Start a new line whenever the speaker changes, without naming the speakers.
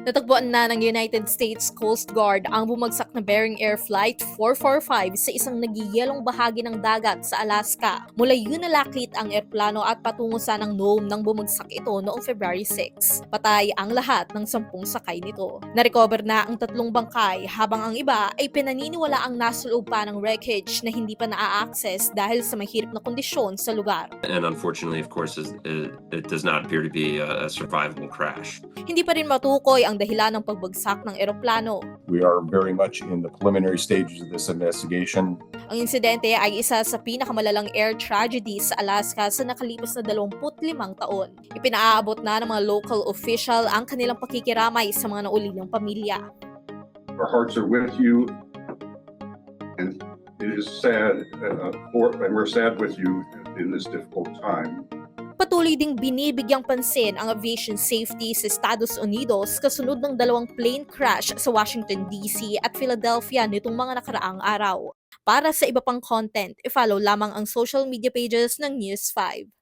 Natagpuan na ng United States Coast Guard ang bumagsak na Bering Air Flight 445 sa isang nagiyelong bahagi ng dagat sa Alaska. Mula yun nalakit ang eroplano at patungo sa ng Nome nang bumagsak ito noong February 6. Patay ang lahat ng 10 sakay nito. Narecover na ang 3 bangkay habang ang iba ay pinaniniwala ang nasa loob pa ng wreckage na hindi pa naa-access dahil sa mahirap na kondisyon sa lugar.
And unfortunately, of course, it does not appear to be a survivable crash.
Hindi pa rin matukoy ang dahilan ng pagbagsak ng eroplano.
We are very much in the preliminary stages of this investigation.
Ang insidente ay isa sa pinakamalalang air tragedy sa Alaska sa nakalipas na 25 taon. Ipinaaabot na ng mga local official ang kanilang pakikiramay sa mga naulilang pamilya.
Our hearts are with you, and it is sad, and we're sad with you in this difficult time.
Patuloy ding binibigyang pansin ang aviation safety sa Estados Unidos kasunod ng 2 plane crash sa Washington, D.C. at Philadelphia nitong mga nakaraang araw. Para sa iba pang content, i-follow lamang ang social media pages ng News 5.